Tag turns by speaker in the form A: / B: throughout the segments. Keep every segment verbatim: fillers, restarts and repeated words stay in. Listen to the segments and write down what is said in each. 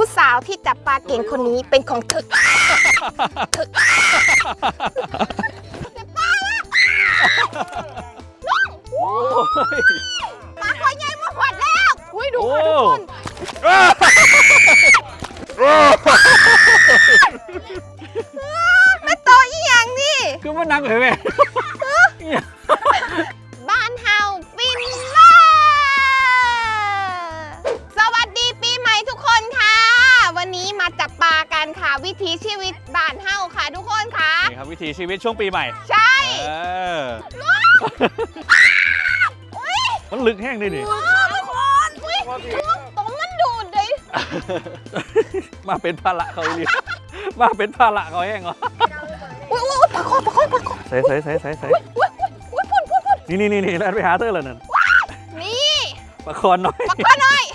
A: ผู้สาวที่จับปลาเก่งคนนี้เป็นของถึกถึกปลาคอยใหญ่มาหวดแล้วอุ้ยดูค่ะทุกคนไม่โตอีหยังนี่
B: คือมันนังเหรอแม่
A: บ้านเฮาฟินล่าสวัสดีปีใหม่ทุกคนค่ะวันนี้มาจับปลากันค่ะวิถีชีวิตบ้านเฮาค่ะทุกคนค่ะ
B: นี่ครับวิถีชีวิตช่วงปีใหม่
A: ใช่
B: มันลึกแห้งเลยนี่
A: ทุกคนตรงมันดูดเลย
B: มาเป็นภาระเขาเลยมาเป็นภาระเขาแห้งเหรอ
A: อุ้ยอุ้ยปลาคอปลาคอปลาคอ
B: ใส่ใส่ใส่ใส่ใส่นี่นี่นี่นี่แล้วไปหาเตอร์เลยนั่น
A: นี่
B: ปลาคอนน้อย
A: ปลาคอนน้อย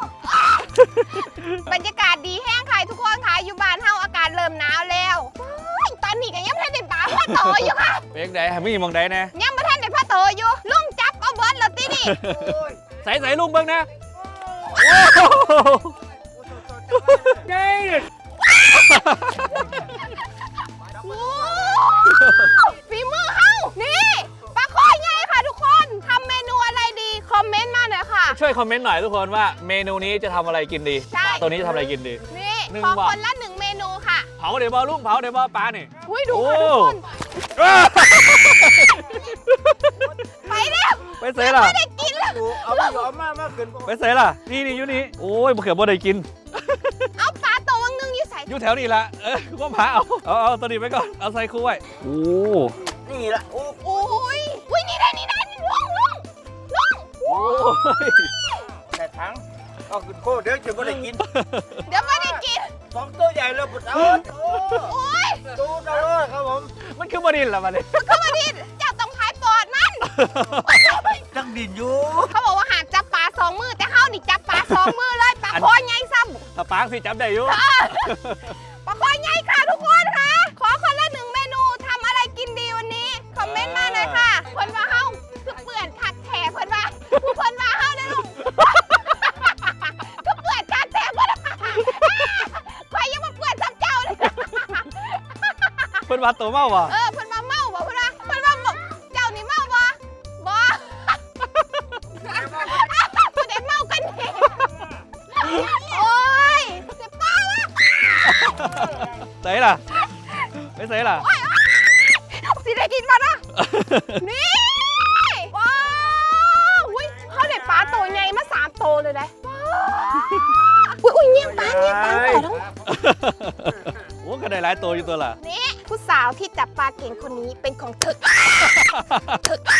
A: บรรยากาศดีแห้งค่ะทุกคนค่ะอยู่บ้านเฮาอากาศเริ่มหนาวแล้วตอนนี้ก็ยังไม่ทันได้ปลาพ่อโตอยู่ค่ะ
B: เป็นไงมีมองใดแน่
A: ยังไม่ทันได้พ่อโตอยู่ลุงจับเอาเบิร์ดแล้วตีนี่
B: ใส่ใส่ลุงเบิ้งนะไง
A: ฝีมือเฮานี่ปลาคอใหญ่ค่ะทุกคนทำเมนูอะไรดีคอมเมนต์มาหน่อยค่ะ
B: ช่วยคอมเมนต์หน่อยทุกคนว่าเมนูนี้จะทำอะไรกินดีตัวนี้จะทำอะไรกินดี
A: นี่ขอคนละหนึ่งเมนูค่ะ
B: เผาเดี๋ยวบอลุงเผาเดี๋ยวบอปลาเนี่ย
A: อุ้ยดูค่ะทุกคนไปแล้ว
B: ไปเสยล่ะ
A: ไม่ได้กินแล้ว
C: เอาไปเอามามาขึ้น
B: ไปเสยล่ะนี่นี่อยู่นี่โอ้ยมะเขือบ่ได้กิน
A: เอาปลาตัวนึงอยู่ใส่
B: อยู่แถวนี้ละเออก็พาเอาเอาเอาตัวนี้ไปก่อนเอาใส่คู่ไว้โอ้
C: นี่ละโอ้
A: โอ้ยอุ้ยนี่ได้นี่ได้ลุงลุงลุง
B: โอ้ย
C: แต่ทั้งเอาขึ้นโคเดี๋ยวจะไม่ได้กิน
A: เดี๋ยวไม่ได้กิน
C: สองตัวใหญ่เลยปุ๊บเอา
A: โอ้ย
C: ตูดเลยครับผม
B: มันคือมาดินละมันเลย
A: มันคือมาดินเจ้าต้องพายปอดมัน
C: จังดินอยู่
A: เขาบอกว่าหากจับปลาสองมือแต่เขานี่จับปลาสองมือเลยปลาคอใหญ่ซ้ำ
B: ถ้าปลาสิจับได้อยู่
A: ปลาคอใหญ่ค่ะทุกคนค่ะขอคนละหนึ่งเมนูทำอะไรกินดีวันนี้คอมเมนต์มาหน่อยค่ะเพิ่นว่าเฮาคือเปื่อนคักแถเพิ่นว่าผู้เพิ่นว่าเฮาเด้อลุงคือเปื่อนคักแถเพิ่นใครยังมาเปื่อนซ้ำเจ้าเลย
B: เพิ่นว่าตัวเมาบ่
A: เออเพิ่นว่าเมาบ่เพิ่นว่าเพิ่นว่าเจ้านี่เมาบ่บ่ผู้ใดเมากันนี่โอ้ยเจ็บป้าละ
B: ใส่ล่ะไม่ใส่ล่ะ
A: สิได้กินมานะนี่ว้าวอุ้ยเขาได้ปลาตัวใหญ่มาสามตัวเลยนะอุ้ยอุ้ยเงี้ยปลาเงี้ยปลาต่อทั้ง
B: โอ้ก็ได้หลายตัวอยู่ตัวล่ะ
A: นี่ผู้สาวที่จับปลาเก่งคนนี้เป็นของถึกถึก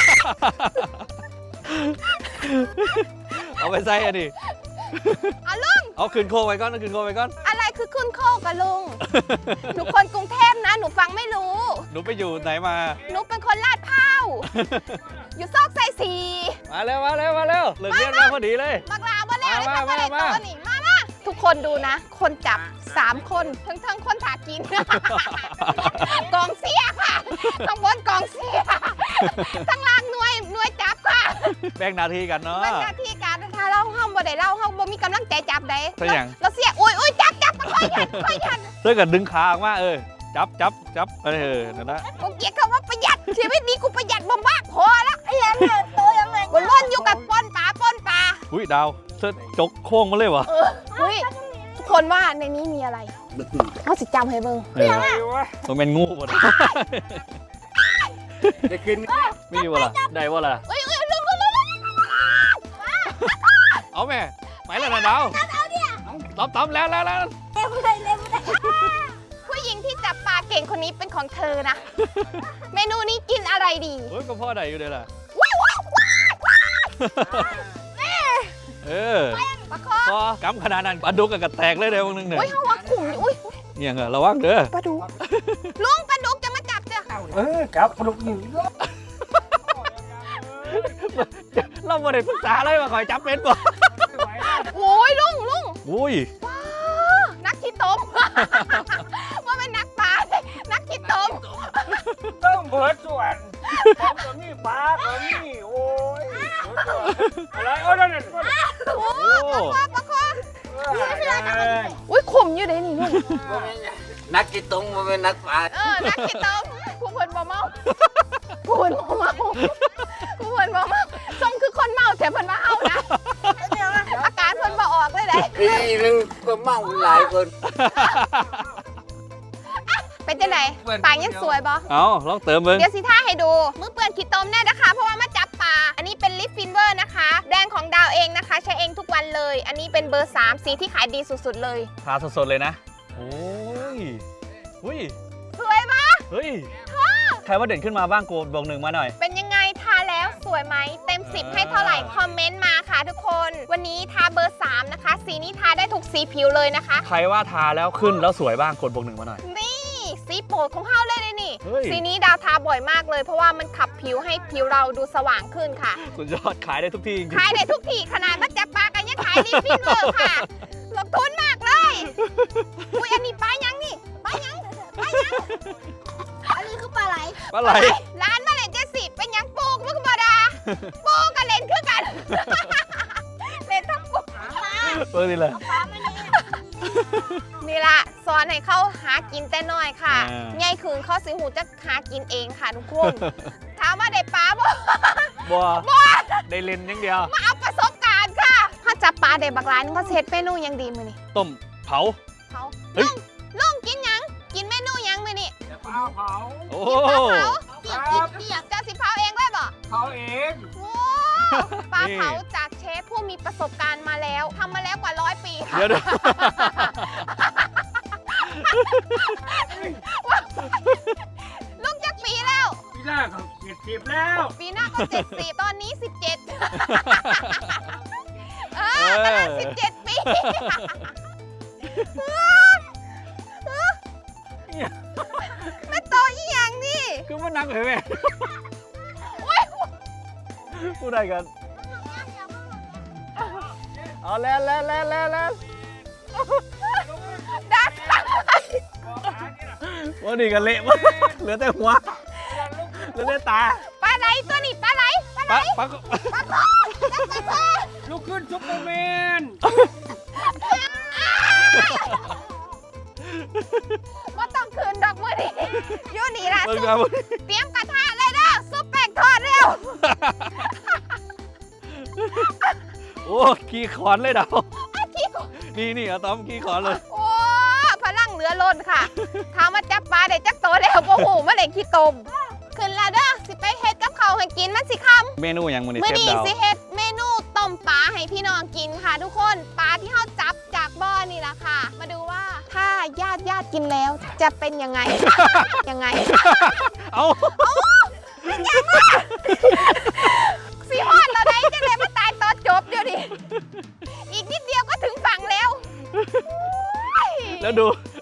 B: เอาไปใส่อันนี้
A: เอาลุง
B: เอาคืนโคไว้ก่อนเอาคืนโคไว้ก่อน
A: อะไรคือขึ้นโคกับลุงหนูคนกรุงเทพนะหนูฟังไม่รู้
B: หนูไปอยู่ไหนมา
A: หนูเป็นคนลาดพร้าวอยู่ซอกไซสี
B: มาแล้วมาแล้วมาแล้วเลิกเรียนมาพอดีเลย
A: บักลามาแล้วมามามามานี่มามาทุกคนดูนะคนจับสามคนทั้งทั้งคนถากินกองเสียค่ะข้างบนกองเสียข้างล่างหน่วยหน่วยจับค่ะ
B: แบ่งหน้าที่กันเนาะ
A: แบ่งหน้าที่กันถ้าเราห้องบ่ได้เราห้องบ่มีกำลังใจจับได้
B: เรา
A: เสียอุ้ยอุ้ยจับจับค่อยยันค่อยยัน
B: เสื้อกันดึงขาออกมาเออจับจับจับเออนั่นนะ
A: กูเกลียดคำว่าประหยัดชีวิตนี้กูประหยัดมากพอละไอ้ยันเนี่ยตัวยังไงกูล้นอยู่กับป้นปลาป้นปลา
B: อุ้ยดาวเสื้อจกโค้งมาเลยวะ
A: เฮ้ยทุกคนว่าในนี้มีอะไรเขาสิจำให้เบิ่ง
B: เออมันเป็นงูหมด
C: จะกิน
B: มีวะล่ะได้วะล่ะ
A: เอ้ยเอ้ยลุงลุงลุง
B: เอาแม่ไปแล้วนะดาวตบตบแล้วแล้วแล้ว
A: เร็วเลยเร็วเลยผู้หญิงที่จับปลาเก่งคนนี้เป็นของเธอนะเมนูนี้กินอะไรดี
B: เฮ้ยก็พ่อใดอยู่เลยล่ะเออ
A: ปลาคอ
B: พอกำขนาดนั้นปลาดุกกับกระแตกเลยเดี๋ยวนึงเนี่ย
A: อุ้ยเขาว่าขุ่มอุ้ย
B: เนี่ยเหรอระวังเด้อ
A: ปลาดุกลุงปลาดุกจะมาจับเจ้า
C: เออครับปลาดุกอยู่
B: เราไม่ได้ปรึกษาเลยมาคอยจับเป็นบ่
A: โอ้ยลุงลุง
B: อุ้ย
A: นักขี้ต้มว่าเป็นนักปลานักขี้ต้ม
C: ต้องเบิดส่วนตัวนี้ปลาตัวนี้โอ้ยอะไรโอ้ยนั่น
A: โอ้ปลาปลาคออุ้ยขมอยู่เลยนี่ลุง
C: นักกีตงมันเป็นนักปลา
A: เออนักกินต้มผู้เพิ่นบ่เมาผู้เพิ่นบ่เมาผู้เพิ่นบ่เมาส้มคือคนเมาแต่เพิ่นมาเฮานะอาการเพิ่นบ่ออกเลยเด้
C: ปีหนึ่งก็เมาหลายคน
A: เป็นจังไดปากยังสวยบ่
B: เอาลองเติมเบิ้ง
A: เดี๋ยวสิท่าให้ดูมือเปื้อนขี้ต้มแน่นะคะ เพราะว่ามาจับปลาอันนี้เป็นลิฟฟินเวอร์นะคะแบรนด์ของดาวเองนะคะ ใช้เองทุกวันเลย อันนี้เป็นเบอร์สามสีที่ขายดีสุดๆเลย
B: ทาสดๆเลยนะโอ้ยอุ้ย
A: สวยปะ
B: เฮ้ยใครว่าเด่นขึ้นมาบ้างโกดบอกหนึ่งมาหน่อย
A: เป็นยังไงทาแล้วสวยไหมเต็มสิบให้เท่าไหร่คอมเมนต์มาค่ะทุกคน วันนี้ทาเบอร์สามนะคะสีนี้ทาได้ทุกสีผิวเลยนะคะ
B: ใครว่าทาแล้วขึ้นแล้วสวยบ้างกดบอกหนึ่งมาหน่อย
A: นี่สีโปรดของเฮาเลยเลยนี่
B: เฮ้ย
A: สีนี้ดาวทาบ่อยมากเลย เพราะว่ามันขับผิวให้ผิวเราดูสว่างขึ้นค่ะ
B: สุดยอดขายได้ทุกที่จริง
A: ขายได้ทุกที่ขนาดมาจับปลากันยังขายลิฟฟินเวอร์ค่ะลงทุนมากเลย อุ้ยอันนี้ปลายังนี่ปลายังปลายังอันนี้คือปลาไหล
B: ๆปลาไหล
A: ร้านมาเลนเจสิเป็นยังปูกมึงบอดาปูกับเลนคือกัน เลนทั้งปู
B: เปิดดิเลย
A: นี่ละสอนให้เขาหากินแต่น้อยค่ะ
B: อ่า
A: ใหญ่คืนเขาสิหูจะหากินเองค่ะทุกคน ถามว่าได้ปลาบ่
B: บัวได้เลนอย่างเดียว
A: มาเอาประสบการณ์ค่ะถ้าจับปลาได้บักร้านเขาเซ็ตเมนูยังดีมือนี่
B: ต้มเผา
A: เขา
B: เฮ้
A: ลุ
B: ย
A: งลุงกินยังกินเมนูยังมือนี่
C: เผาเผา
B: โอ้
A: กินปลาเผาเปียกเปียกจะสิเผาเองได้บ่
C: เผาเอง
A: โอ้ปลาเผาจากเชฟผู้มีประสบการณ์มาแล้วทำมาแล้วกว่าร้อยปีค่ะ
B: เดี๋ยวเดี๋ยว
A: ลุงจักปีแล้ว
C: ปีแรกเขาเจ็ดสิบแล้ว
A: ปีหน้าก็เจ็ดสิบตอนนี้สิบเจ็ดเออกำลังสิบเจ็ดปี ไม่โตอีหยังนี่
B: คือมันนังเหรอแม่
A: โอ๊ย
B: พูดได้กันเอาแล้วแล้วแล้วแล้วแล้ว
A: ดัก
B: ว่าดีกันเละมากเหลือแต่หัวเหลือแต่ตา
A: ปลาไหลตัวนี้ปลาไหลปลาไหล
B: ปะปะ
A: ปลาโคจักปลาโค
C: ลุกขึ้นซุปเปอร์แมน
A: ว่าต้องคืนดอกมือดิอยู่นี่ล่ะ
B: เปิด
A: ซุป
B: กัน
A: เตรียมกระทะเลยเด้อซุปแป้งทอดเร็ว
B: โอ้ขี่ขอนเลยเดา
A: อ้าวขี้โกง
B: นี่นี่อะตอมขี่ขอนเลย
A: โอ้พลังเหลือล้นค่ะถามว่าจับปลาได้จักโตแล้วโอ้โหมาได้ขี้ตมขึ้นแล้วเด้อสิไปเฮ็ดกับเขาวให้กินมันสิคำ
B: เมนูอย่างมันนี่
A: เมื่อ
B: เชฟ
A: นี้
B: ดาว
A: สิเฮ็ดเมนูต้มปลาให้พี่น้องกินค่ะ ทุกคนปลาที่เขาจับจากบ่อนี่แหละค่ะ มาดูว่าถ้าญาติญาติกินแล้วจะเป็นยังไง ยังไง
B: เอา
A: สีฮอดเราได้จะเลยมาตายตอนจบเดี๋ยวดิอีกนิดเดียวก็ถึงฝั่งแล้วโอ้ย
B: แล้วดู